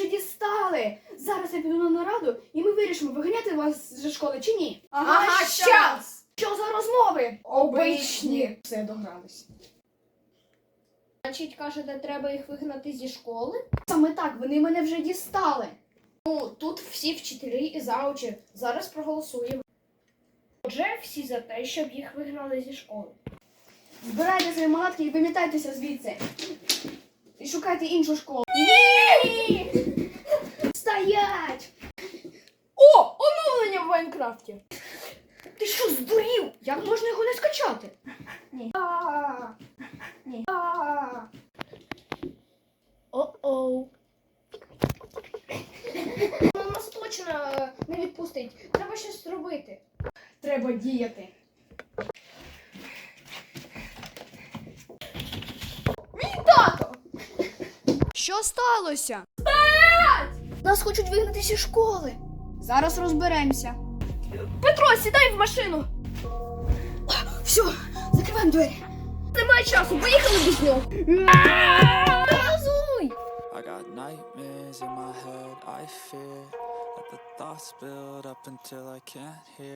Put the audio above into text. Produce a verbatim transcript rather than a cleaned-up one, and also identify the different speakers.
Speaker 1: дістали. Зараз я піду на нараду, і ми вирішимо, виганяти вас зі школи чи ні.
Speaker 2: Ага, щас!
Speaker 1: Що за розмови?
Speaker 2: Обичні.
Speaker 1: Все, догрались.
Speaker 2: Значить, кажете, треба їх вигнати зі школи?
Speaker 1: Саме так, вони мене вже дістали.
Speaker 2: Ну, тут всі вчителі і заучі. Зараз проголосуємо. Отже, всі за те, щоб їх вигнали зі школи.
Speaker 1: Збирайте свої малатки і вимітайтеся звідси. І шукайте іншу школу.
Speaker 2: Ні!
Speaker 1: Стоять!
Speaker 2: О, оновлення в Майнкрафті!
Speaker 1: Ти що, здурів? Як можна його не скачати?
Speaker 2: Ні.
Speaker 1: А,
Speaker 2: Ні.
Speaker 1: а.
Speaker 2: О-оу. Ну, нас точно е, не відпустить. Треба щось зробити.
Speaker 1: Треба діяти.
Speaker 2: Мій тато!
Speaker 1: Що сталося? Нас хочуть вигнати зі школи. Зараз розберемося.
Speaker 2: Петро, сідай в машину!
Speaker 1: Все, закриваємо двері.
Speaker 2: Немає часу, поїхали без нього! Газуй!
Speaker 3: I got nightmares in my head, I fear that the thoughts build up until I can't hear.